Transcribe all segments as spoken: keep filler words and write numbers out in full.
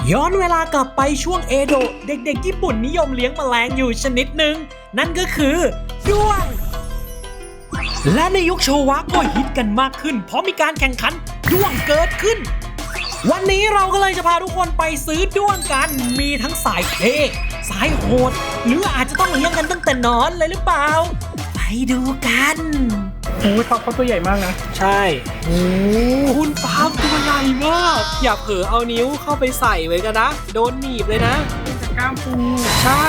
ย้อนเวลากลับไปช่วงเอโดะเด็กๆญี่ปุ่นนิยมเลี้ยงแมลงอยู่ชนิดหนึ่งนั่นก็คือด้วงและในยุคโชวะก็ฮิตกันมากขึ้นเพราะมีการแข่งขันด้วงเกิดขึ้นวันนี้เราก็เลยจะพาทุกคนไปซื้อด้วงกันมีทั้งสายเท่สายโหดหรืออาจจะต้องเลี้ยงกันตั้งแต่นอนเลยหรือเปล่าไปดูกันโอ้ยท็อปเขาตัวใหญ่มากนะใช่โอ้คุณฟาร์มตัวใหญ่มากอย่าเผลอเอานิ้วเข้าไปใส่ไว้กันนะโดนหนีบเลยนะกล้ามปูใช่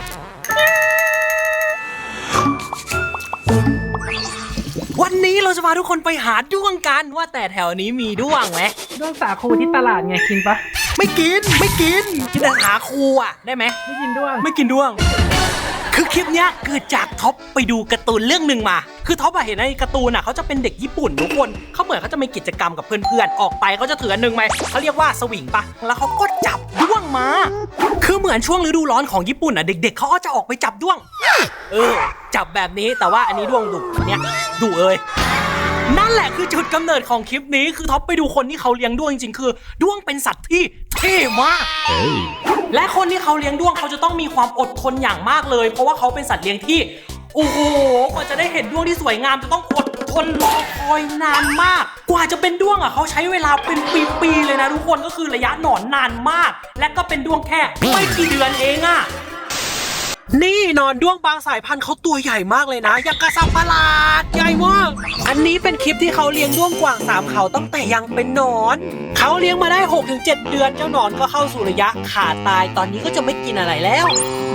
วันนี้เราจะพาทุกคนไปหาด้วงกันว่าแต่แถวนี้มีด้วงไหมด้วงสาคูที่ตลาดไงกินปะไม่กินไม่กินกินแต่หาคูอ่ะได้ไหมไม่กินด้วงไม่กินด้วงคือคลิปเนี้ยเกิดจากท็อปไปดูการ์ตูนเรื่องหนึ่งมาคือท็อปเห็นในการ์ตูนอ่ะเขาจะเป็นเด็กญี่ปุ่นทุกคนเขาเหมือนเขาจะมีกิจกรรมกับเพื่อนๆออกไปเขาจะถืออันนึงไหมเขาเรียกว่าสวิงปะแล้วเขาก็จับด้วงมาคือเหมือนช่วงฤดูร้อนของญี่ปุ่นอ่ะเด็กๆเขาก็จะออกไปจับด้วงเออจับแบบนี้แต่ว่าอันนี้ด้วงดุเนี่ยดุเลยนั่นแหละคือจุดกำเนิดของคลิปนี้คือท็อปไปดูคนที่เขาเลี้ยงด้วงจริงๆคือด้วงเป็นสัตว์ที่เท่มาก hey. และคนที่เขาเลี้ยงด้วงเขาจะต้องมีความอดทนอย่างมากเลยเพราะว่าเขาเป็นสัตว์เลี้ยงที่โอ้โหกว่าจะได้เห็นด้วงที่สวยงามจะต้องอดทนรอคอยนานมากกว่าจะเป็นด้วงอ่ะเขาใช้เวลาเป็นปีๆเลยนะทุกคนก็คือระยะหนอนนานมากและก็เป็นด้วงแค่ไม่กี่เดือนเองอ่ะนี่นอนด้วงบางสายพันธุ์เขาตัวใหญ่มากเลยนะอย่างกระสับประหลาดใหญ่มากอันนี้เป็นคลิปที่เขาเลี้ยงด้วงกว่างสามเขาตั้งแต่ยังเป็นหนอนเขาเลี้ยงมาได้ หกถึงเจ็ด เดือนเจ้าหนอนก็เข้าสู่ระยะขาดตายตอนนี้ก็จะไม่กินอะไรแล้ว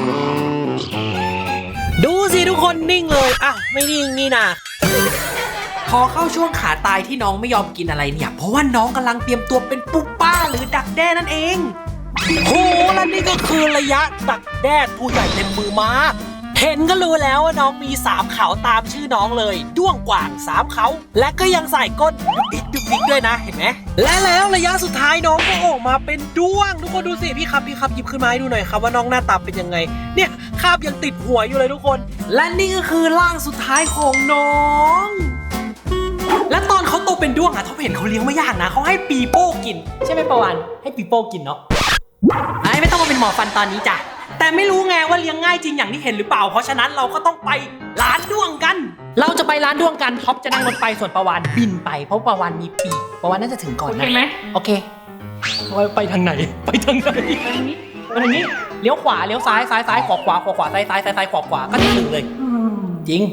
ดูสิทุกคนนิ่งเลยอ่ะไม่นิ่งนี่นะพอเข้าช่วงขาตายที่น้องไม่ยอมกินอะไรเนี่ยเพราะว่าน้องกำลังเตรียมตัวเป็นปุ๊บป้าหรือดักแด้นั่นเองโหและนี่ก็คือระยะดักแด้ตัวใหญ่เต็มมือมาเห็นก็รู้แล้วว่าน้องมีสามเขาตามชื่อน้องเลยด้วงกว่างสามเขาและก็ยังใส่ก้นดิ๊กดิ๊กดิ๊กด้วยนะเห็นไหมและแล้วระยะสุดท้ายน้องก็ออกมาเป็นด้วงทุกคนดูสิพี่ครับพี่ครับหยิบขึ้นมาให้ดูหน่อยครับว่าน้องหน้าตาเป็นยังไงเนี่ยคาบยังติดหัวอยู่เลยทุกคนและนี่ก็คือร่างสุดท้ายของน้องและตอนเขาโตเป็นด้วงอะเขาเห็นเขาเลี้ยงไม่ยากนะเขาให้ปีโป้กินใช่ไหมประวันให้ปีโป้กินเนาะไอ้ไม่ต้องมาเป็นหมอฟันตอนนี้จ้ะแต่ไม่รู้ไงว่าเลี้ยงง่ายจริงอย่างที่เห็นหรือเปล่าเพราะฉะนั้นเราก็ต้องไปร้านด้วงกันเราจะไปร้านด้วงกันท็อปจะนั่งรถไปส่วนประวันบินไปเพราะประวันมีปีกประวันน่าจะถึงก่อนนะโอเคไหมโอเคไปทางไหนไปทางไหนไปทางนี้ไปทางนี้เลี้ยวขวาเลี้ยวซ้ายซ้ายซ้ายขวาขวาขวาขวาซ้ายซ้ายซ้ายซ้ายขวาขวาก็ถึงเลยจริง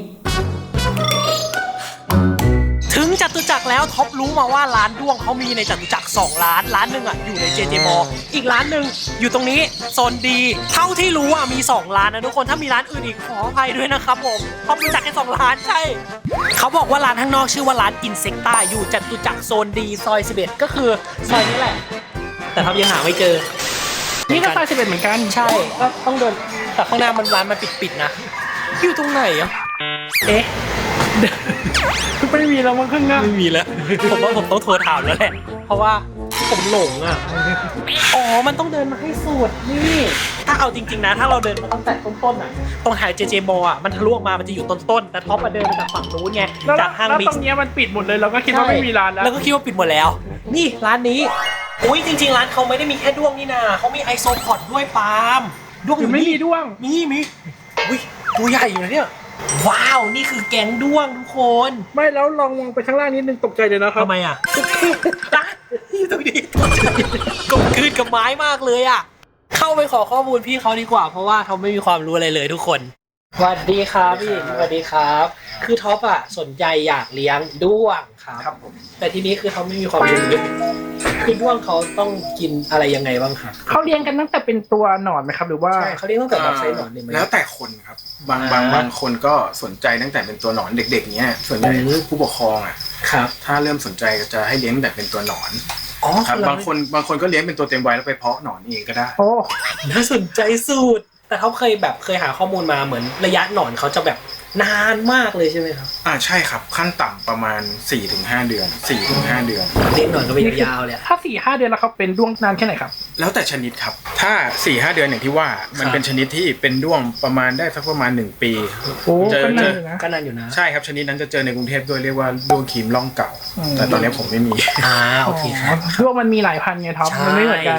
ถึงจตุจักรแล้วท็อปรู้มาว่าร้านด้วงเขามีในจตุจักรสองร้านร้านหนึ่งอ่ะอยู่ใน เจ เจ มอ อีกร้านหนึ่งอยู่ตรงนี้โซนดีเท่าที่รู้อ่ะมีสองร้านนะทุกคนถ้ามีร้านอื่นอีกขออภัยด้วยนะครับผมท็อปรู้จักแค่สองร้านใช่เขาบอกว่าร้านข้างนอกชื่อว่าร้านอินเซกต้าอยู่จตุจักรโซนดีซอยสิบเอ็ดก็คือซอยนี้แหละแต่ท็อปยังหาไม่เจอนี่ก็ซอยสิบเอ็ดเหมือนกันใช่ก็ต้องเดินแต่ข้างหน้ามันร้านมันปิดๆนะอยู่ตรงไหนอ่ะเอ๊ะไม่มีแล้วมั้งข้างหน้าไม่มีแล้วผมว่าผมต้องโทรถามแล้วแหละเพราะว่าผมหลงอ่ะอ๋อมันต้องเดินมาให้สุดนี่ถ้าเอาจริงๆนะถ้าเราเดินมาตั้งแต่ต้นๆอ่ะตรงแถว เจ เจ มอ อ่ะมันทะลุออกมามันจะอยู่ต้นๆแต่ท็อปมาเดินมาจากฝั่งนู้นไงจากห้างบิ๊กแล้วตรงนี้มันปิดหมดเลยเราก็คิดว่าไม่มีร้านแล้วแล้วก็คิดว่าปิดหมดแล้วนี่ร้านนี้อุ้ยจริงๆร้านเขาไม่ได้มีแค่ด้วงนี่นาเขามีไอโซพอดด้วยปาล์มด้วงไม่มีด้วงมีมีอุ้ยตัวใหญ่อยู่นะเนี่ยว้าวนี่คือแก๊งด้วงทุกคนไม่แล้วลองมองไปข้างล่างนิดนึงตกใจเลยนะครับทำไมอ่ะนี่ตรงนี้กลมกลืนกับไม้มากเลยอ่ะเข้าไปขอข้อมูลพี่เขาดีกว่าเพราะว่าเขาไม่มีความรู้อะไรเลยทุกคนสวัสดีครับพี่สวัสดีครับคือท็อปอ่ะสนใจอยากเลี้ยงด้วงครับครับผมแต่ทีนี้คือเขาไม่มีความรู้คือด้วงเขาต้องกินอะไรยังไงบ้างครับเขาเลี้ยงกันตั้งแต่เป็นตัวหนอนไหมครับหรือว่าใช่เขาเลี้ยงตั้งแต่แบบไซส์หนอนเลยไหมแล้วแต่คนครับบางบางบางคนก็สนใจตั้งแต่เป็นตัวหนอนเด็กๆเนี้ยส่วนใหญ่ผู้ปกครองอ่ะครับถ้าเริ่มสนใจจะให้เลี้ยงแบบเป็นตัวหนอนอ๋อครับบางคนบางคนก็เลี้ยงเป็นตัวเต็มวัยแล้วไปเพาะหนอนเองก็ได้โอ้น่าสนใจสุดแต่เขาเคยแบบเคยหาข้อมูลมาเหมือนระยะหนอนเขาจะแบบนานมากเลยใช่ไหมครับอ่าใช่ครับขั้นต่ำประมาณ สี่ถึงห้า เดือน สี่ถึงห้า เดือนเลี้ยงหนอนก็เป็นยาวเลยถ้า สี่ถึงห้า เดือนแล้วเขาเป็นด้วงนานแค่ไหนครับแล้วแต่ชนิดครับถ้า สี่ถึงห้า เดือนอย่างที่ว่ามันเป็นชนิดที่เป็นด้วงประมาณได้สักประมาณหนึ่งปีโอ้เจอเจอก็นานอยู่นะใช่ครับชนิดนั้นจะเจอในกรุงเทพด้วยเรียกว่าด้วงครีมร่องเก่าแต่ตอนนี้ผมไม่มีอ่าโอเคครับด้วงมันมีหลายพันไงท็อปมันไม่เหมือนกัน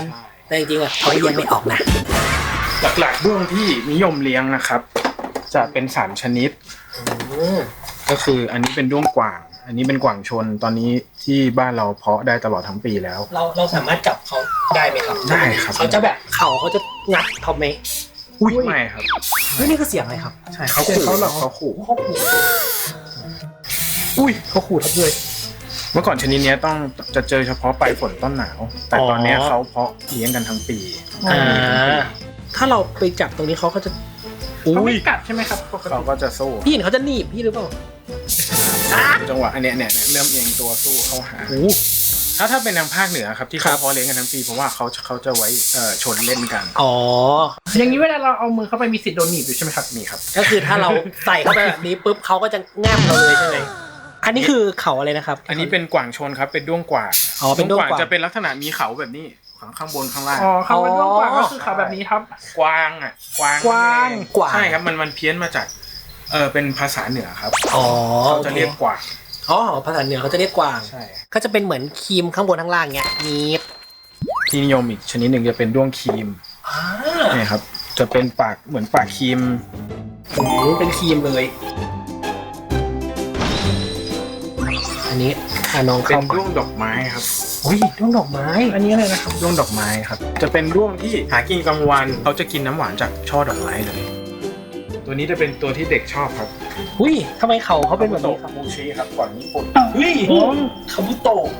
แต่จริงๆอ่ะเขาเลี้ยงไม่ออกนะหลักๆด้วงที่นิยมเลี้ยงนะครับ จะเป็นสามชนิดก็คืออันนี้เป็นด้วงกว่างอันนี้เป็นกว่างชนตอนนี้ที่บ้านเราเพาะได้ตลอดทั้งปีแล้วเราเราสามารถจับเขาได้ไหมครับได้ครับเขาจะแบบเข่าเขาจะงัดเขาไหมอุ้ยไม่ครับเฮ้ยนี่คือเสียงอะไรครับใช่เขาขู่เขาหรอกเขาขู่เขาขู่อุ้ยเขาขู่ทับเลยเมื่อก่อนชนิดนี้ต้องจะเจอเฉพาะปลายฝนต้นหนาวแต่ตอนนี้เขาเพาะเลี้ยงกันทั้งปีอ่าถ้าเราไปจับตรงนี้เขาก็จะเขาไม่กัดใช่ไหมครับเขาก็จะสู้พี่เห็นเขาจะหนีบพี่หรือเปล่าจังหวะอันเนี้ยเนี่ยเริ่มเอียงตัวสู้เข้าหาถ้าถ้าเป็นทางภาคเหนือครับที่เขาเพาะเลี้ยงกันทั้งปีเพราะว่าเขาเขาจะไว้เอ่อชนเล่นกันอ๋ออย่างนี้เวลาเราเอามือเข้าไปมีสิทธิ์โดนหนีบอยู่ใช่ไหมครับมีครับก็คือถ้าเราใส่เข้าไปแบบนี้ปุ๊บเขาก็จะแง้มเราเลยใช่ไหมอันนี้คือเขาอะไรนะครับอันนี้เป็นกว่างชนครับเป็นด้วงกว่างอ๋อเป็นด้วงกว่างจะเป็นลักษณะมีเขาแบบนี้ข้างบนข้างล่างอ๋อเขาเป็นด้วงกว่างก็คือเขาแบบนี้ครับกวางอ่ะกวางกวางกวางใช่ครับมันมันเพี้ยนมาจากเออเป็นภาษาเหนือครับอ๋อเขาจะเรียกกวางอ๋อภาษาเหนือเขาจะเรียกกวางใช่ก็จะเป็นเหมือนครีมข้างบนข้างล่างเงี้ยนีบที่นิยมอีกชนิดหนึ่งจะเป็นด้วงครีมอ่านี่ครับจะเป็นปากเหมือนปากครีมโอ้เป็นครีมเลยอันนี้อ่ะน้องเป็นด้วงดอกไม้ครับอุ้ยด้วงดอกไม้อันนี้อะไรนะครับด้วงดอกไม้ครับจะเป็นด้วงที่หากินกลางวันเขาจะกินน้ำหวานจากช่อดอกไม้เลยตัวนี้จะเป็นตัวที่เด็กชอบครับอุ้ยทำไมเขาเขาเป็นแบบนี้คาบูชิครับกว่างญี่ปุ่นเฮ้ยคาบุโตะ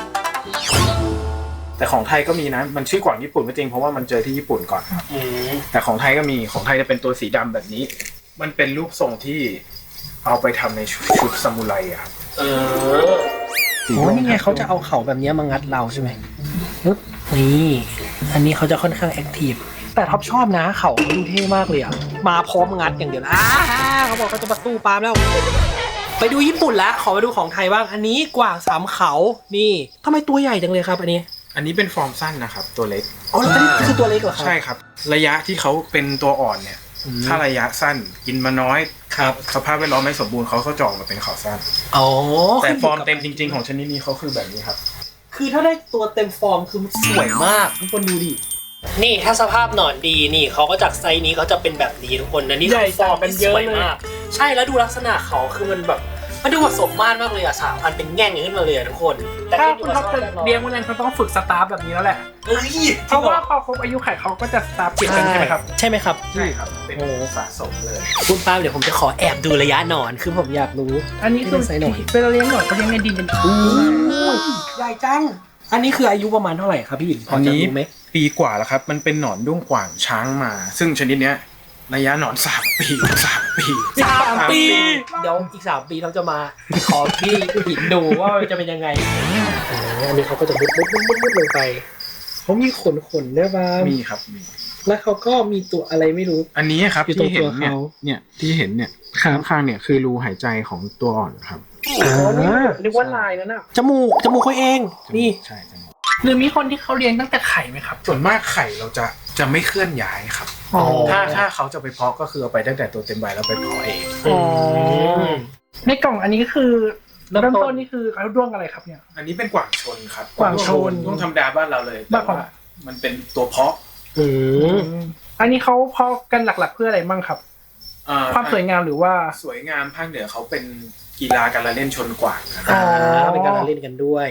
แต่ของไทยก็มีนะมันชื่อกว่างญี่ปุ่นก็จริงเพราะว่ามันเจอที่ญี่ปุ่นก่อนแต่ของไทยก็มีของไทยจะเป็นตัวสีดำแบบนี้มันเป็นรูปทรงที่เอาไปทำในชุดซามูไรอะครับเออโอ้นี่ไงเขาจะเอาเข่าแบบนี้มางัดเราใช่ไหมนี่อันนี้เขาจะค่อนข้างแอคทีฟแต่ท็อปชอบนะเข่าดูเท่มากเลยอ่ะมาพร้อมงัดอย่างเดียวอ้าเขาบอกเขาจะมาสู้ปาล์มแล้วไปดูญี่ปุ่นละขอมาดูของไทยบ้างอันนี้กว่างสามเขานี่ทำไมตัวใหญ่จังเลยครับอันนี้อันนี้เป็นฟอร์มสั้นนะครับตัวเล็กอ๋อแล้วนี่คือตัวเล็กเหรอครับใช่ครับระยะที่เขาเป็นตัวอ่อนเนี่ยถ้าระยะสั้นกินมาน้อยครับสภาพแวดล้อมไม่สมบูรณ์เขาเขาจอกมาเป็นเขาสั้นอ๋อแต่ฟอร์มเต็มจริงๆของชนิดนี้เขาคือแบบนี้ครับคือถ้าได้ตัวเต็มฟอร์มคือสวยมากทุกคนดูดินี่ถ้าสภาพหนอนดีนี่เขาก็จากไซส์นี้เขาจะเป็นแบบนี้ทุกคนนะนี่คือฟอร์มเป็นเยอะมากใช่แล้วดูลักษณะเขาคือมันแบบมันดูผสมมากมากเลยอะสามพันเป็นแง่งขึ้นมาเลยทุกคนแต่ถ้าคุณท็อปจะเลี้ยงมันเขาต้องฝึกสตาฟแบบนี้แล้วแหละเอ้ยเพราะว่าพอครบอายุไขเขาก็จะสตาฟเก็บกันใช่ไหมครับใช่ไหมครับใช่ครับเป็นสะสมเลยคุณป้าเดี๋ยวผมจะขอแอบดูระยะหนอนคือผมอยากรู้อันนี้คือเวลาเลี้ยงหนอนเขาเลี้ยงในดินกันใหญ่จังอันนี้คืออายุประมาณเท่าไหร่ครับพี่หญิงพอจะรู้ไหมปีกว่าแล้วครับมันเป็นหนอนด้วงกว่างช้างมาซึ่งชนิดเนี้ยระยะหนอนสามปีสามปีสามปีเดี๋ยวอีกสามปีเราจะมาขอพี่หญิงดูว่าจะเป็นยังไงอันนี้เขาก็จะมุดมุดมุดมุดมุดลงไปเขามีขนขนด้วยป่ะมีครับมีแล้วเขาก็มีตัวอะไรไม่รู้อันนี้ครับที่เห็นเนี่ยเนี่ยที่เห็นเนี่ยข้างข้างเนี่ยคือรูหายใจของตัวอ่อนครับอ๋อนึกว่าลายนั่นน่ะจมูกจมูกเขาเองนี่ใช่จมูกหรือมีคนที่เขาเลี้ยงตั้งแต่ไข่ไหมครับส่วนมากไข่เราจะจะไม่เคลื่อนย้ายครับถ้าถ้าเขาจะไปเพาะก็คือเอาไปตั้งแต่ตัวเต็มใบแล้วไปเพาะเองในกล่องอันนี้คือเริ่มต้นนี่คือเขาด้วงอะไรครับเนี่ยอันนี้เป็นกว่างชนครับกว่างชนด้วงธรรมดาบ้านเราเลยแต่ว่ามันเป็นตัวเพาะอันนี้เขาเพาะกันหลักๆเพื่ออะไรบ้างครับความสวยงามหรือว่าสวยงามภาคเหนือเขาเป็นกีฬาการละเล่นชนกว่างอ๋อเป็นการละเล่นกันด้วย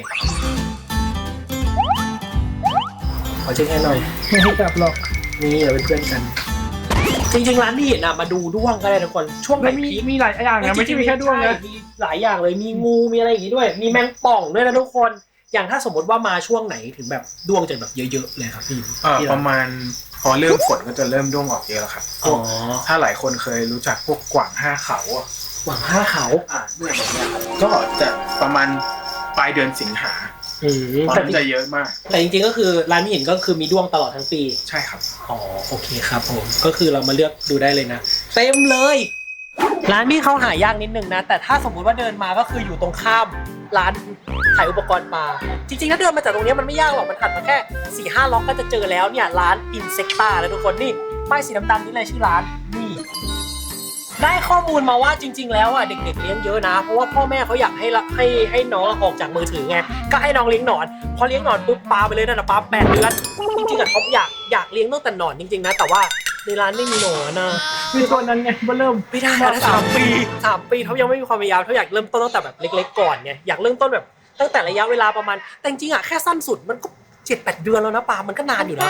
ขอเช็คให้หน่อยไม่ให้จับหรอกนี่เราเป็นเพื่อนกันจริงๆร้านที่เห็นนะมาดูด้วงก็ได้ทุกคนช่วงไหนมีมีหลายอย่างนะไม่ใช่มีแค่ด้วงนะมีหลายอย่างเลยมีงูมีอะไรอย่างงี้ด้วยมีแมงป่องด้วยนะทุกคนอย่างถ้าสมมติว่ามาช่วงไหนถึงแบบด้วงจะแบบเยอะๆเลยครับพี่ประมาณพอเริ่มฝนก็จะเริ่มด้วงออกเยอะแล้วครับอ๋อถ้าหลายคนเคยรู้จักพวกกว่างห้าเขากว่างห้าเขาอ่าด้วงแบบนี้ครับก็จะประมาณปลายเดือนสิงหาแต่จะเยอะมากแต่จริงๆก็คือร้านที่เห็นก็คือมีด้วงตลอดทั้งปีใช่ครับอ๋อโอเคครับผมก็คือเรามาเลือกดูได้เลยนะเต็มเลยร้านพี่เขาหายากนิดนึงนะแต่ถ้าสมมุติว่าเดินมาก็คืออยู่ตรงข้ามร้านขายอุปกรณ์ปลาจริงๆถ้าเดินมาจากตรงนี้มันไม่ยากหรอกมันถัดมาแค่ สี่ห้า ล็อกก็จะเจอแล้วเนี่ยร้าน Insecta แล้วทุกคนนี่ป้ายสีดำๆนี่เลยชื่อร้านนี่ได้ข้อมูลมาว่าจริง ๆ แล้วอ่ะเด็กๆเลี้ยงเยอะนะเพราะว่าพ่อแม่เขาอยากให้ให้ให้น้องออกจากมือถือไงก็ให้น้องเลี้ยงหนอนพอเลี้ยงหนอนปุ๊บปาไปเลยนั่นนะปาแปดเดือนจริงๆอะท็อปอยากอยากเลี้ยงตั้งแต่หนอนจริงๆนะแต่ว่าในร้านไม่มีหนอนนะมีตัวนั้นไงว่าเริ่มไม่ได้นะสามปีสามปีเขายังไม่มีความพยายามเขาอยากเริ่มต้นตั้งแต่แบบเล็กๆก่อนไงอยากเริ่มต้นแบบตั้งแต่ระยะเวลาประมาณแต่จริงๆอะแค่สั้นสุดมันก็เจ็ดแปดเดือนแล้วนะปามันก็นานอยู่นะ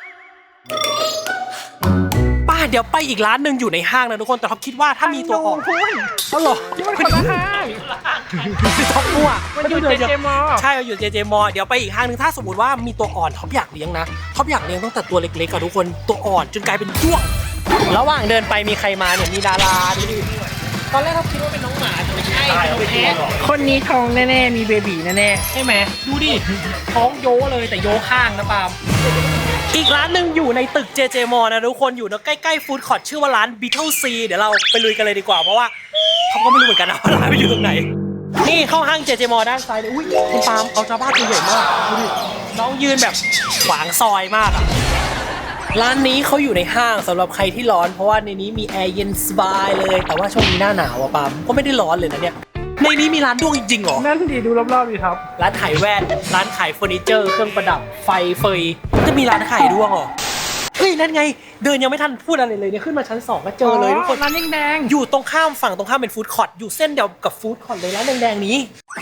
ป้าเดี๋ยวไปอีกร้านหนึ่งอยู่ในห้างนะทุกคนแต่ท็อปคิดว่าถ้ามีตัวอ่อนเขาหรอที่มันคนละห้างท็อปมั่วมันอยู่เจเจมอใช่อยู่เจเจมอเดี๋ยวไปอีกห้างหนึ่งถ้าสมมติว่ามีตัวอ่อนท็อปอยากเลี้ยงนะท็อปอยากเลี้ยงตั้งแต่ตัวเล็กๆกับทุกคนตัวอ่อนจนกลายเป็นด้วงระหว่างเดินไปมีใครมาเนี่ยมีดาราดูดิตอนแรกท็อปคิดว่าเป็นน้องหมาแต่ไม่ใช่เป็นน้องแพะคนนี้ท้องแน่ๆมีเบบีแน่ๆใช่ไหมดูดิท้องโยเลยแต่โยข้างนะปาล์มอีกร้านหนึ่งอยู่ในตึก เจ เจ Mall นะทุกคนอยู่ใกล้ๆฟู้ดคอร์ทชื่อว่าร้าน Beetle C เดี๋ยวเราไปลุยกันเลยดีกว่าเพราะว่าเขาก็ไม่รู้เหมือนกันนะว่าร้านมันอยู่ตรงไหนนี่เข้าห้าง เจ เจ Mall ด้านซ้ายเลยอุ้ยคุณปาล์มเอาชาวบ้านตัวใหญ่มากดูดิน้องยืนแบบขวางซอยมากอะร้านนี้เขาอยู่ในห้างสำหรับใครที่ร้อนเพราะว่าในนี้มีแอร์เย็นสบายเลยแต่ว่าช่วงนี้หน้าหนาวอะปาล์มก็ไม่ได้ร้อนเลยนะเนี่ยในนี้มีร้านด้วงจริงๆเหรอนั่นดีดูรอบๆดีครับร้านขายแว่น ร้านขายเฟอร์นิเจอร์ เครื่องประดับ ไฟเฟยจะมีร้านขายด้วงเหรอ เฮ้ย นั่นไง เดินยังไม่ทันพูดอะไรเลยเนี่ยขึ้นมาชั้นสองก็เจอเลยทุกคนร้านแดงๆอยู่ตรงข้ามฝั่งตรงข้ามเป็นฟู้ดคอร์ทอยู่เส้นเดียวกับฟู้ดคอร์ทเลยร้านแดงๆนี้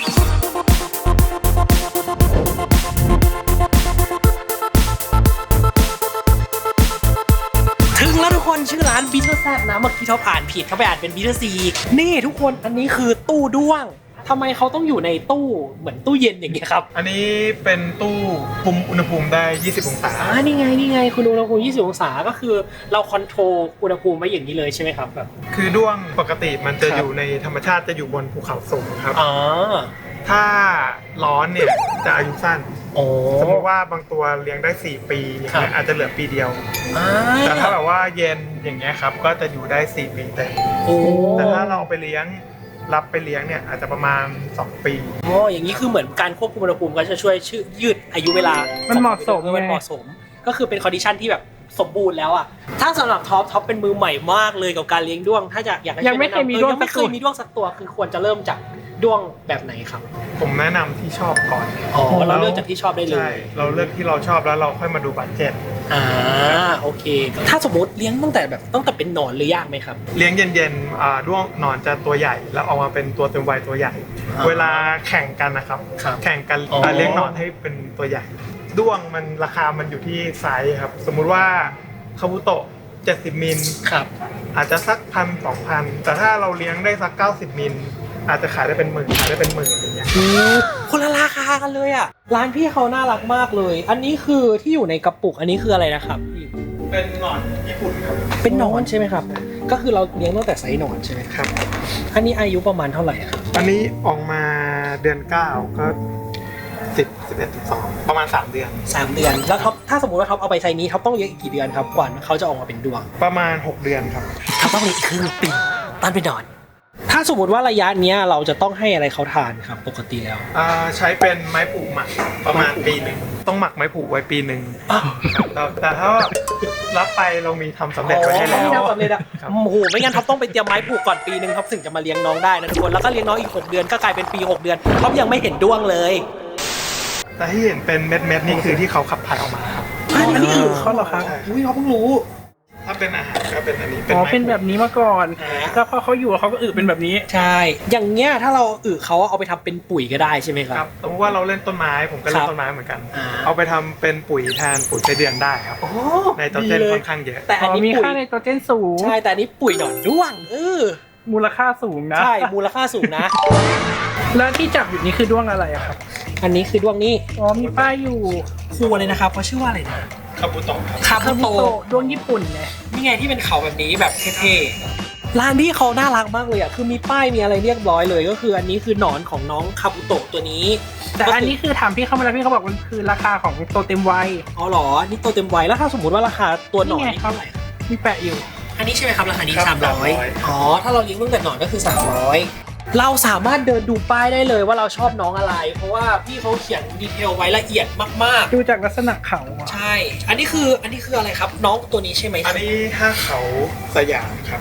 ถึงแล้วทุกคนชื่อร้านบิทเทอร์แซดนะเมื่อกี้เขาอ่านผิดเขาไปอ่านเป็นบิทเทอร์ซีนี่ทุกคนอันนี้คือตู้ด้วงทำไมเขาต้องอยู่ในตู้เหมือนตู้เย็นอย่างเงี้ยครับอันนี้เป็นตู้คุมอุณหภูมิได้ยี่สิบองศาอ่านี่ไงนี่ไงคุณอุณหภูมิยี่สิบองศาก็คือเราคอนโทรลอุณหภูมิไว้อย่างนี้เลยใช่ไหมครับแบบคือด้วงปกติมันจะครับอยู่ในธรรมชาติจะอยู่บนภูเขาสูงครับอ๋อถ้าร้อนเนี่ยจะอายุสั้นโอ้สมมติว่าบางตัวเลี้ยงได้สี่ปีอย่างเงี้ยอาจจะเหลือปีเดียวอ่าแต่ถ้าแบบว่าเย็นอย่างเงี้ยครับก็จะอยู่ได้สี่ปีเต็มโอ้แต่ถ้าเราเอาไปเลี้ยงรับไปเลี้ยงเนี่ยอาจจะประมาณสองปีโอ้อย่างนี้คือเหมือนการควบคุมอุณหภูมิก็จะช่วยชื่อยืดอายุเวลามันเหมาะสมเออมันเหมาะสม ก็คือเป็นคอนดิชันที่แบบสมบูรณ์แล้วอ่ะถ้าสำหรับท็อปท็อปเป็นมือใหม่มากเลยกับการเลี้ยงด้วงถ้าจะอยากให้ยังไม่เคยมีด้วงยังไม่เคยมีด้วงสักตัวคือควรจะเริ่มจากด้วงแบบไหนครับผมแนะนำที่ชอบก่อนอ๋อเราเลือกจากที่ชอบได้เลใช่ยเราเลือกที่เราชอบแล้วเราค่อยมาดูบัตเจ็ตอ่าโอเค ถ้าสมมติเลี้ยงตั้งแต่แบบตั้งแต่เป็นหนอนหรือยากไหมครับเลี้ยงเย็นๆอ่าด้วงหนอนจะตัวใหญ่แล้วออกมาเป็นตัวเต็มวัยตัวใหญ่อ่าเวลาแข่งกันนะครับครับแข่งกันอ๋ออ่าเลี้ยงหนอนให้เป็นตัวใหญ่ ด้วงมันราคามันอยู่ที่ไซส์ครับ สมมุติว่าคาบุโตะเจ็ดสิบมิลครับอาจจะสักพันสองพันแต่ถ้าเราเลี้ยงได้สักเก้าสิบมิลอาจจะขายได้เป็นหมื่นขายได้เป็นหมื่นอย่างเงี้ยคนละราคากันเลยอ่ะร้านพี่เขาน่ารักมากเลย อันนี้คือที่อยู่ในกระปุกอันนี้คืออะไรนะครับพี่เป็นหนอนญี่ปุ่นครับเป็นหนอนใช่ไหมครับ ก็คือเราเลี้ยงตั้งแต่ไซส์หนอนใช่ไหมครับอันนี้อายุประมาณเท่าไหร่ครับอันนี้ออกมาเดือนเก้าก็สิบสิบเอ็ดสิบสองประมาณสามเดือนสามเดือนแล้วท็อปถ้าสมมติว่าท็อปเอาไปไซส์นี้ท็อปต้องเลี้ยงอีกกี่เดือนครับกว่าเขาจะออกมาเป็นดวงประมาณหกเดือนครับท็อปต้องเลี้ยงอีกครึ่งปีตอนเป็นหนอน ถ้าสมมติว่าระยะเนี้ยเราจะต้องให้อะไรเขาทานครับปกติแล้วอ่าใช้เป็นไม้ผูกหมักประมาณปีหนึ่งต้องหมักไม้ผูกไว้ปีหนึ่งอ้าวแต่แต่ถ้ารับไปเรามีทำสำเร็จไว้ให้อ๋อแล้วไม่ทำสำเร็จอะครับโอ้โหไม่งั้นท็อปต้องไปเตรียมไม้ผูกก่อนปีหนึ่งท็อปถึงจะมาเลี้ยงน้องได้นะทุกคนแล้วก็เลี้ยงน้องอีกหกเดือนก็กลายเป็นปีหกเดือนท็อปยังไม่เห็นด้วงเลยแต่ที่เห็นเป็นเม็ดเม็ดๆนี่คือที่เขาขับถ่ายออกมาครับอันนี้คือเขาเหรอครับใช่อุ้ยท็อปเพิ่งรู้ถ้าเป็นอาหารก็เป็นอันนี้อ๋อไม้เป็นแบบนี้มาก่อนอ่าแล้วพอเขาอยู่เขาก็อึเป็นแบบนี้ใช่ อย่างเงี้ยถ้าเราอึเขาเอาไปทำเป็นปุ๋ยก็ได้ใช่ไหมคครัรับ บสมมติว่าเราเล่นต้นไม้ผมก็เล่ครันบต้นไม้เหมือนกันอ่าเอาไปทำเป็นปุ๋ยแทนปุ๋ยไส้เดือนได้ครับโอ้ในโตรเจนดีลค่อนข้างเยอะแต่อ๋อันอนี้มีปุ๋ยค่าไนโตรเจนสูงใช่แต่อันนี้ปุ๋ยหนอนด้วงเออมูลค่าสูงนะใช่มูลค่าสูงนะแล้วที่จับอยู่นี่คือด้วงอะไรอะครับอันนี้คือด้วงนี่อ๋อมีป้ายอยู่ครูเลยนะครับเขาชื่อว่าอะไรนะคาบุโตะครับคาบุโตด้วงญี่ปุ่นไงนี่ไงที่เป็นเขาแบบนี้แบบเท่ๆร้านที่เขาน่ารักมากเลยอ่ะคือมีป้ายมีอะไรเรียบร้อยเลย ก็คืออันนี้คือหนอนของน้องคาบุโตะตัวนี้แต่อันนี้คือถามพี่เขามาแล้วพี่เขาบอกมันคือราคาของตัวเต็มวัยอ๋อเหรอนี่ตัวเต็มวัยแล้วถ้าสมมติว่าราคาตัวหนอนนี่ไงนี่เท่าไหร่ครับมีแปะอยู่อันนี้ใช่ไหมครับราคานี้ครับสามร้อยสามร้อยอ๋อถ้าเราเลี้ยงตั้งแต่หนอนก็คือสามร้อยเราสามารถเดินดูป้ายได้เลยว่าเราชอบน้องอะไร เพราะว่าพี่เขาเขียนดีเทลไว้ละเอียดมากดูจากลักษณะเขาอะๆ ใช่ อันนี้คืออันนี้คืออะไรครับน้องตัวนี้ใช่ไหมอันนี้ห้าเขาสยามครับฮ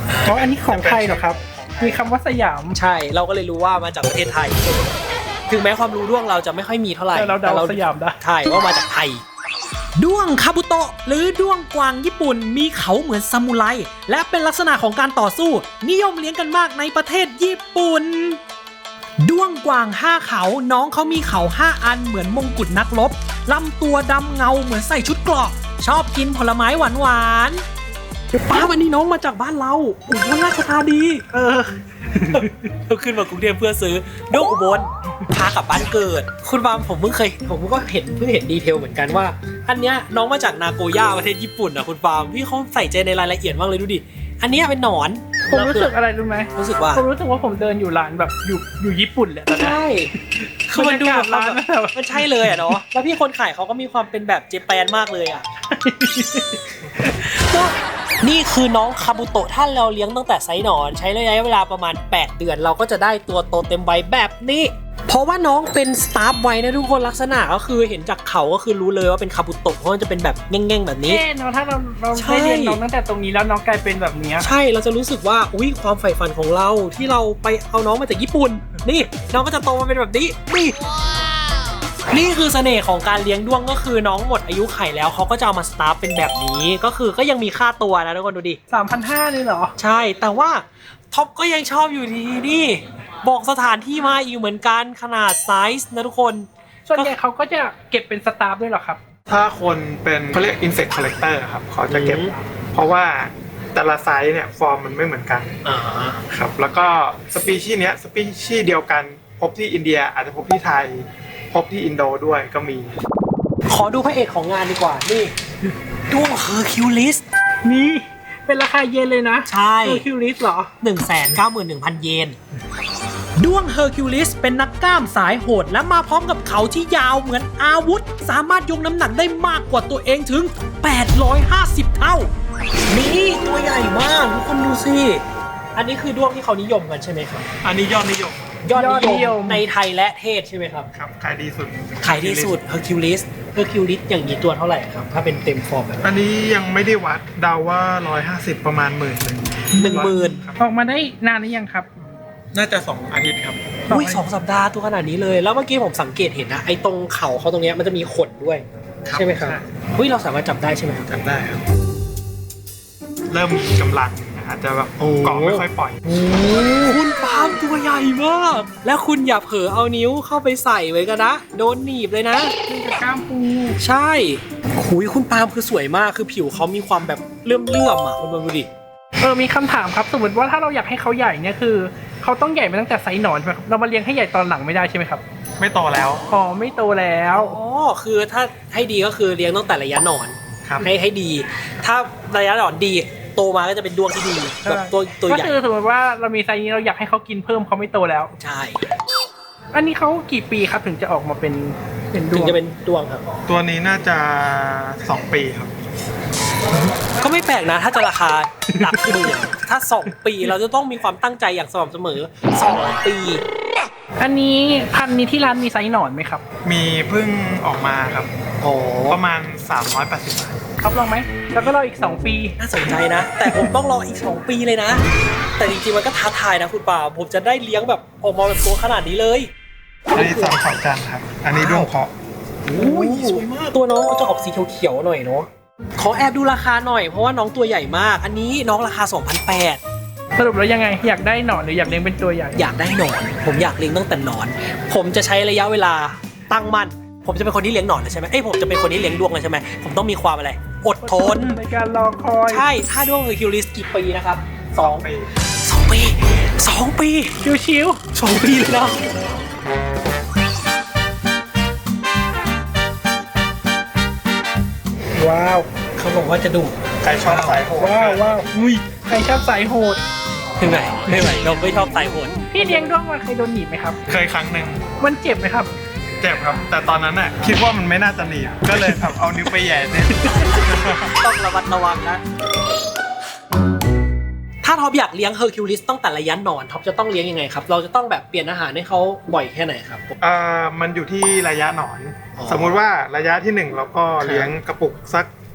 อ๋ออันนี้ของไทยเหรอครับมีคำว่าสยามใช่เราก็เลยรู้ว่ามาจากประเทศไทย ถึงแม้ความรู้ด้วงเราจะไม่ค่อยมีเท่าไหร่แต่เราเดาสยามได้ใช่ว่ามาจากไทยด้วงคาบุโตะหรือด้วงกวางญี่ปุ่นมีเขาเหมือนซามูไรและเป็นลักษณะของการต่อสู้ นิยมเลี้ยงกันมากในประเทศญี่ปุ่นด้วงกวางห้าเขาน้องเขามีเขาห้าอันเหมือนมงกุฎนักรบลำตัวดำเงาเหมือนใส่ชุดเกราะชอบกินผลไม้หวานหวานป้าวันนี้น้องมาจากบ้านเราอุบลราชธานีเออเราขึ้นมากรุงเทพเพื่อซื้อด้วงอุบลพากลับบ้านเกิดคุณบามผมเพิ่งเคยผมก็เห็นเพิ่งเห็นดีเทลเหมือนกันว่าอันเนี้ยน้องมาจากนาโกย่าประเทศญี่ปุ่นอ่ะคุณบามพี่เขาใส่ใจในรายละเอียดมากเลยดูดิอันเนี้ยเป็นหนอนผมรู้สึกอะไรรู้ไหมรู้สึกว่าผมรู้สึกว่าผมเดินอยู่ร้านแบบอยู่อยู่ญี่ปุ่นเลยตอนนี้ใช่คือมันดูแบบร้านแบบมันใช่เลยอ่ะเนาะแล้วพี่คนขายเขาก็มีความเป็นแบบเจแปนมากเลยอ่ะ นี่คือน้องคาบุโตะถ้าเราเลี้ยงตั้งแต่ไซส์หนอนใช้ระยะเวลาประมาณแปดเดือนเราก็จะได้ตัวโตเต็มวัยแบบนี้เพราะว่าน้องเป็นสตาร์ฟไว้นะทุกคนลักษณะก็คือเห็นจากเขาก็คือรู้เลยว่าเป็นคาบุโตะเพราะมันจะเป็นแบบแง่งๆแบบนี้เอ๊ะเนาะถ้าเราเราใช่ได้เรียนน้องตั้งแต่ตรงนี้แล้วน้องกลายเป็นแบบเนี้ยใช่เราจะรู้สึกว่าอุ้ยความใฝ่ฝันของเราที่เราไปเอาน้องมาจากญี่ปุ่นนี่น้องก็จะโตมาเป็นแบบนี้นี่นี่คือเสน่ห์ของการเลี้ยงด้วงก็คือน้องหมดอายุไข่แล้วเขาก็จะเอามาสตาร์ฟเป็นแบบนี้ก็คือก็ยังมีค่าตัวนะทุกคนดูดิสามพันห้าเลยเหรอใช่แต่ว่าท็อปก็ยังชอบอยู่ดีนี่บอกสถานที่มาอีกเหมือนกันขนาดไซส์นะทุกคนส่วนใหญ่เขาก็จะเก็บเป็นสตาฟด้วยเหรอครับถ้าคนเป็นเขาเรียก insect collector ครับเขาจะเก็บ เพราะว่าแต่ละไซส์เนี่ยฟอร์มมันไม่เหมือนกันอ่าครับแล้วก็สปีชีส์เนี้ยสปีชีส์เดียวกันพบที่อินเดียอาจจะพบที่ไทยพบที่อินโดด้วยก็มีขอดูพระเอกของงานดีกว่านี่ด้วงเฮอร์คิวลิสนี่เป็นราคาเยนเลยนะใช่คือคิวลิสเหรอหนึ่งแสนเก้าหมื่นหนึ่งพัน เยนด้วงเฮอร์คิวลิสเป็นนักกล้ามสายโหดและมาพร้อมกับเขาที่ยาวเหมือนอาวุธสามารถยกน้ำหนักได้มากกว่าตัวเองถึงแปดร้อยห้าสิบเท่านี่ตัวใหญ่มากทุกคนดูสิอันนี้คือด้วงที่เขานิยมกันใช่ไหมครับอันนี้ยอดนิยมยอดยอดนินิยยมมในไทยและเทศใช่ไหมครับครับขายดีสุดขายดีสุดเฮอร์คิวลิสเฮอร์คิวลิสอย่างนี้ตัวเท่าไหร่ครับถ้าเป็นเต็มฟอร์มแบบอันนี้ยังไม่ได้วัดเดาว่าร้อยห้าสิบประมาณหมื่นหนึ่งหนึ่งหมื่นออกมาได้นานหรือยังครับน่าจะสองอาทิตย์ครับอุ้ยสองสัปดาห์ตัวขนาดนี้เลยแล้วเมื่อกี้ผมสังเกตเห็นนะไอ้ตรงเข่าเขาตรงเนี้ยมันจะมีขนด้วยครับใช่ไหมครับใช่อุ้ยเราสามารถจับได้ใช่ไหมครับจำได้ครับ เริ่มมีกำลังอาจจะแบบโอ้เกาะไม่ค่อยปล่อยโอ้คุณปาล์มตัวใหญ่มาก แล้วคุณอย่าเผลอเอานิ้วเข้าไปใส่ไว้กันนะ โดนหนีบเลยนะนี่กับกล้ามปูใช่หุยคุณปาล์มคือสวยมาก คือผิวเขามีความแบบเลื่อมเลื่อมๆอ่ะคุณบอลดูดิเออมีคำถามครับสมมติว่าถ้าเราอยากให้เขาใหญ่เนี่ยคือเขาต้องใหญ่มาตั้งแต่ไซส์หนอนใช่ไหมครับเรามาเลี้ยงให้ใหญ่ตอนหลังไม่ได้ใช่ไหมครับไม่โตแล้วอ๋อไม่โตแล้วอ๋อ คือถ้าให้ดีก็คือเลี้ยงตั้งแต่ระยะหนอนครับให้ให้ดี ถ้าระยะหนอนดีโตมาก็จะเป็นดวงที่ดีแบบตัวตัวก็ใหญ่คือสมมติว่าเรามีไซส์นี้เราอยากให้เขากินเพิ่มเขาไม่โตแล้วใช่อันนี้เขากี่ปีครับถึงจะออกมาเป็นเป็นดถึวงงจะเป็นดวงครับตัวนี้น่าจะสองปีครับก็ไม่แปลกนะถ้าจะราคาหลักหมื่นถ้าสองปีเราจะต้องมีความตั้งใจอย่างสม่ำเสมอสองปีอันนี้พันธุ์นี้ที่ร้านมีไซส์หนอนไหมครับมีเพิ่งออกมาครับโอ้ประมาณสามร้อยแปดสิบบาทครับลองไหมแล้วก็รออีกสองปีน่าสนใจนะ แต่ผมต้องรออีกสองปีเลยนะ แต่จริงๆมันก็ท้าทายนะคุณป่าผมจะได้เลี้ยงแบบออกมาแบบตัวขนาดนี้เลยอันนี้สองขอบจันทร์ครับ อันนี้ด้วงเพาะโอ้ยสวยมากตัวน้องจะออกสีเขียวๆหน่อยเนาะขอแอบดูราคาหน่อยเพราะว่าน้องตัวใหญ่มาก อันนี้น้องราคา สองพันแปดร้อยสรุปแล้วยังไงอยากได้หนอนหรืออยากเลี้ยงเป็นตัวใหญ่อยากได้หนอน ผมอยากเลี้ยงตั้งแต่หนอน ผมจะใช้ระยะเวลาตั้งมั่นผมจะเป็นคนที่เลี้ยงหนอนเลยใช่ไหมเอ้ยผมจะเป็นคนที่เลี้ยงดวงเลยใช่ไหมผมต้องมีความอะไรอดทนในการรอคอยใช่ถ้าดวงเฮอร์คิวลิสกี่ปีนะครับสองปีสองปีสองปีชิวสองปีเลยนะๆว้าวเขาบอกว่าจะดุใครชอบสายโหดว้าวว้าวอุ้ยใครชอบสายโหดไม่ไหวไม่ไหวเราไม่ชอบสายโหดพี่เลี้ยงด้วงมันเคยโดนหนีบไหมครับเคยครั้งหนึ่งมันเจ็บไหมครับเจ็บครับ แต่ตอนนั้นน่ะคิดว่ามันไม่น่าจะหนีบก็เลยแบบเอานิ้วไปแหย่เนี่ยต้องระมัดระวังนะ ถ้าท็อปอยากเลี้ยงเฮอร์คิวลิสตั้งแต่ระยะหนอนท็อปจะต้องเลี้ยงยังไงครับ เราจะต้องแบบเปลี่ยนอาหารให้เขาบ่อยแค่ไหนครับอ่ามันอยู่ที่ระยะหนอนอ๋อสมมุติว่าระยะที่หนึ่งเราก็เลี้ยงกระปุกสัก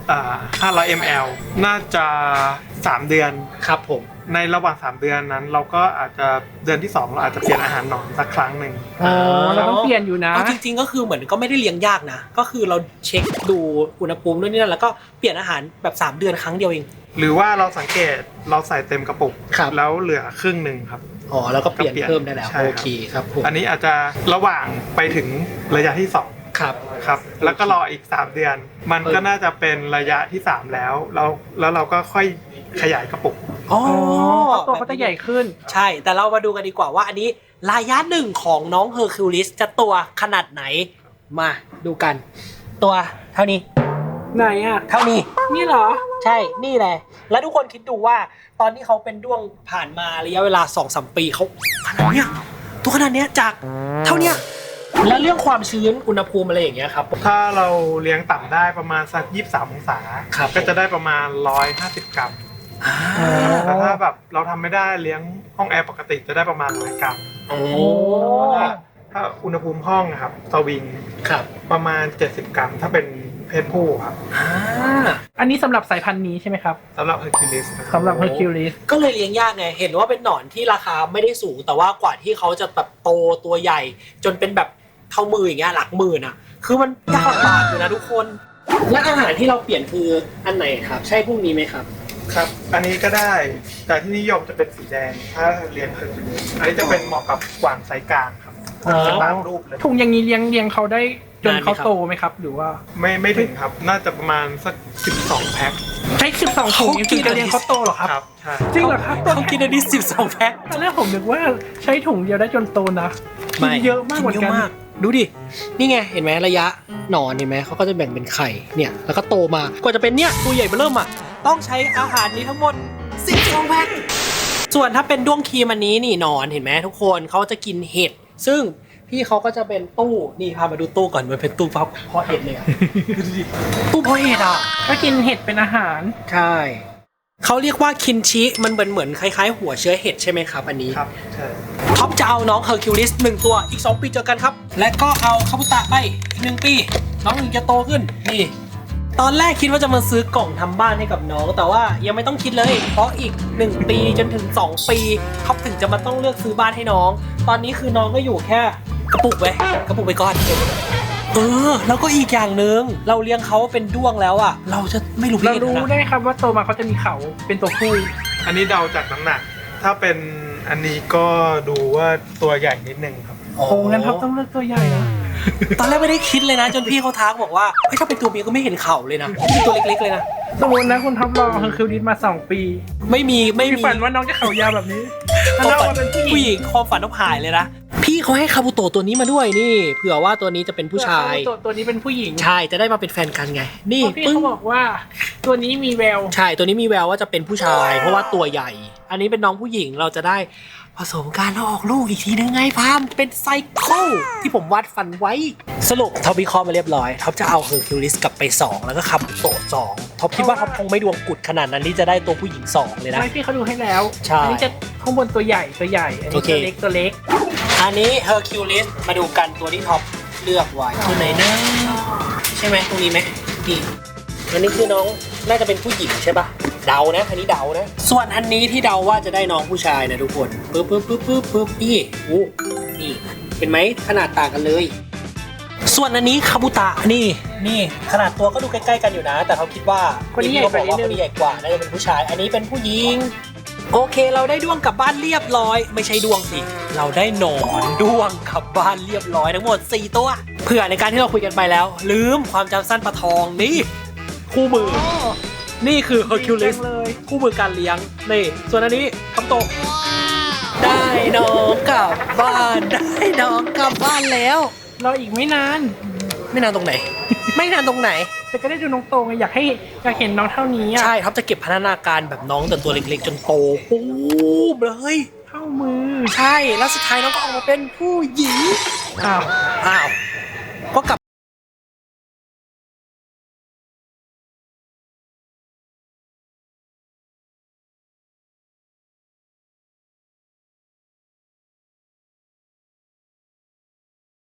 อ่าห้าร้อยมิลลิลิตร น่าจะสามเดือนครับผมในระหว่างสามเดือนนั้น เราก็อาจจะเดือนที่สองเราอาจจะเปลี่ยนอาหารหนอนสักครั้งหนึ่งอ๋อเราต้องเปลี่ยนอยู่นะเอาจริงๆก็คือเหมือนก็ไม่ได้เลี้ยงยากนะก็คือเราเช็คดูอุณหภูมิด้วยนี่นั่นแล้วก็เปลี่ยนอาหารแบบสามเดือนครั้งเดียวเองหรือว่าเราสังเกตเราใส่เต็มกระปุกครับแล้วเหลือครึ่งหนึ่งครับอ๋อแล้วก็เปลี่ยนก็เปลี่ยนเพิ่มได้แล้วใช่ครับโอเคครับผมอันนี้อาจจะระหว่างไปถึงระยะที่สองครับครับแล้วก็รออีกสามเดือน มันก็น่าจะเป็นระยะที่สามแล้วแล้วแล้วเราก็ค่อยขยายกระปุกอ๋อตัวเขาจะใหญ่ขึ้นใช่แต่เรามาดูกันดีกว่าว่าอันนี้ระยะหนึ่งของน้องเฮอร์คิวลิสจะตัวขนาดไหนมาดูกัน ตัวเท่านี้ไหนอ่ะเท่านี้นี่เหรอใช่นี่แหละแล้วทุกคนคิดดูว่าตอนที่เขาเป็นด้วงผ่านมาระยะเวลา สองถึงสาม ปีเขาขนาดเนี้ยตัวขนาดเนี้ยจากเท่าเนี้ยแล้วเรื่องความชื้นอุณหภูมิอะไรอย่างเงี้ยครับถ้าเราเลี้ยงต่ำได้ประมาณสักยี่สิบสามองศาครับก็จะได้ประมาณหนึ่งร้อยห้าสิบกรัมอ่าแต่ถ้าแบบเราทำไม่ได้เลี้ยงห้องแอร์ปกติจะได้ประมาณหนึ่งร้อยกรัมโอ้ถ้าถ้าอุณหภูมิห้องนะครับสวิงครับประมาณเจ็ดสิบกรัมถ้าเป็นเพศผู้ครับอ่าอันนี้สำหรับสายพันธุ์นี้ใช่ไหมครับสำหรับ Hercules นะครับสำหรับ Hercules ก็เลยเลี้ยงยากไงเห็นว่าเป็นหนอนที่ราคาไม่ได้สูงแต่ว่ากว่าที่เขาจะแบบโตตัวใหญ่ จนเป็นแบบเท่ามืออย่างเงี้ยหลักหมื่นอ่ะคือมันยากลำบากอยู่นะทุกคนและอาหารที่เราเปลี่ยนคืออันไหนครับใช่พวกนี้ไหมครับครับ อันนี้ก็ได้ แต่ที่นิยมจะเป็นสีแดง ถ้าเลี้ยง Hercules อันนี้จะเป็นเหมาะกับกวางไซส์กลางครับอ๋อจะตามรูปเลยถุงอย่างนี้เลี้ยงเลี้ยงเขาได้จนนานไหมเขาครับโตไหมครับ หรือว่าไม่ไม่ถึงครับ น่าจะประมาณสักสิบสองแพ็คใช้สิบสองถุงยังถึงจะเลี้ยงเขาโตเหรอครับครับ ใช่จริงเหรอครับเขากินอันนี้สิบสองแพ็คตอนแรกผมนึกว่าใช้ถุงเดียวได้จนโตนะกินเยอะมากเหมือนกันเยอะมากดูดินี่ไงเห็นไหมระยะหนอนเห็นไหมเขาก็จะแบ่งเป็นไข่เนี่ยแล้วก็โตมากว่าจะเป็นเนี่ยตัวใหญ่เบ้อเริ่มอ่ะต้องใช้อาหารนี้ทั้งหมดสิบสองแพ็คส่วนถ้าเป็นด้วงครีมอันนี้นี่หนอนเห็นไหมทุกคนเขาจะกินเห็ดซึ่งพี่เขาก็จะเป็นตู้นี่พามาดูตู้ก่อนมันเป็นตู้เพาะเห็ดเลยอะดูดิตู้เพาะเห็ดอ่ะก็กินเห็ดเป็นอาหารใช่เขาเรียกว่าคินชิมันเหมือนเหมือนคล้ายๆ หัวเชื้อเห็ดใช่ไหมครับอันนี้ครับ ใช่ท็อปจะเอาน้องเฮอร์คิวลิสหนึ่งตัวอีกสองปีเจอกันครับและก็เอาคาบุตะไปอีกหนึ่งปีน้องถึงจะโตขึ้นนี่ตอนแรกคิดว่าจะมาซื้อกล่องทำบ้านให้กับน้องแต่ว่ายังไม่ต้องคิดเลยเพราะอีกหนึ่งปีจนถึงสองปีท็อปถึงจะมาต้องเลือกซื้อบ้านให้น้องตอนนี้คือน้องก็อยู่แค่กระปุกไว้กระปุกไปก่อนเออแล้วก็อีกอย่างหนึ่งเราเลี้ยงเขาเป็นด้วงแล้วอ่ะเราจะไม่รู้เราเพศรู้นะได้ไหมครับว่าโตมาเขาจะมีเขาเป็นตัวผู้อันนี้เดาจากน้ำหนัก ถ้าเป็นอันนี้ก็ดูว่าตัวใหญ่นิดนึงครับโอ้งั้นท็อปต้องเลือกตัวใหญ่นะตอนแรกไม่ได้คิดเลยนะจนพี่เขาทักบอกว่าเฮ้ยถ้าเป็นตัวเมียก็ไม่เห็นเข่าเลยนะเป็นตัวเล็กๆเลยนะสมมตินะคุณท็อปรอเฮอร์คิวลิสมาสองปีไม่มีไม่มีมีฝันว่าน้องจะเขายาวแบบนี้ความแล้วฝัเรานเป็นผู้หผู้ญิหงญิงความฝันต้องหายเลยนะพี่เขาให้คาบุโตะตัวนี้มาด้วยนี่เผื่อว่าตัวนี้จะเป็นผู้ชายตัวตัวนี้เป็นผู้หญิงใช่จะได้มาเป็นแฟนกันไงนี่เพราะพี่ปึ้งเขาบอกว่าตัวนี้มีแววใช่ตัวนี้มีแววว่าจะเป็นผู้ชาย เพราะว่าตัวใหญ่ อันนี้เป็นน้องผู้หญิงเราจะได้ผสมกันแล้วออกลูกอีกทีนึงไงพามเป็นไซเคิลที่ผมวาดฝันไว้สรุปท็อปวิเคราะห์มาเรียบร้อยท็อปจะเอาเฮอร์คิวลิสกลับไปสองแล้วก็คาบุโตะสองท็อปคิดว่าท็อปคงไม่ดวงกุดขนาดนั้นที่จะได้ตัวผู้หญิงสองเลยนะไม่พี่เขาดูให้แล้วใช่อันี้จะข้างบนตัวใหญ่ตัวใหญ่ อันนี้โอเคตัวเล็กตัวเล็กอันนี้ Hercules มาดูกันตัวที่ท็อปเลือกไว้ตัวไหนนะใช่ไหมตรงนี้ไหมนี่อันนี้คือน้องน่าจะเป็นผู้หญิงใช่ปะเดานะอันนี้เดานะส่วนอันนี้ที่เดาว่าจะได้น้องผู้ชายนะทุกคนปึ๊บปึ๊บปึ๊บปึ๊บปึ๊บนี่อู้นี่เห็นไหมขนาดต่างกันเลย ส่วนอันนี้คาบุตะนี่นี่ขนาดตัวก็ดูใกล้ๆกันอยู่นะ แต่เขาคิดว่าคนนี้ใหญ่เขากบว่าอกว่านิดนึงคนนี้ใหญ่กว่าน่าจะเป็นผู้ชาย อันนี้เป็นผู้หญิงโอเคเราได้ด้วงกลับบ้านเรียบร้อย ไม่ใช่ด้วงสิเราได้หนอนด้วงกลับบ้านเรียบร้อยทั้งหมดสี่ตัวเผื่อในการที่เราคุยกันไปแล้ว ลืมความจำสั้นปลาทองนี่คู่มือ นี่คือ Hercules เลยคู่มือการเลี้ยงนี่ส่วนอันนี้คำโตะได้น้องกลับบ้านได้น้องกลับบ้านแล้วรออีกไม่นานไม่นานตรงไหน ไม่นานตรงไหนแต่ก็ได้ดูน้องโตไงอยากให้อยากเห็นน้องเท่านี้อ่ะใช่ครับจะเก็บพัฒนาการแบบน้องแต่ตัวเล็กๆ จนโตปุ๊บเลยเท่ามือใช่แล้วสุดท้ายน้องก็ออกมาเป็นผู้หญิงอ้าวอ้าว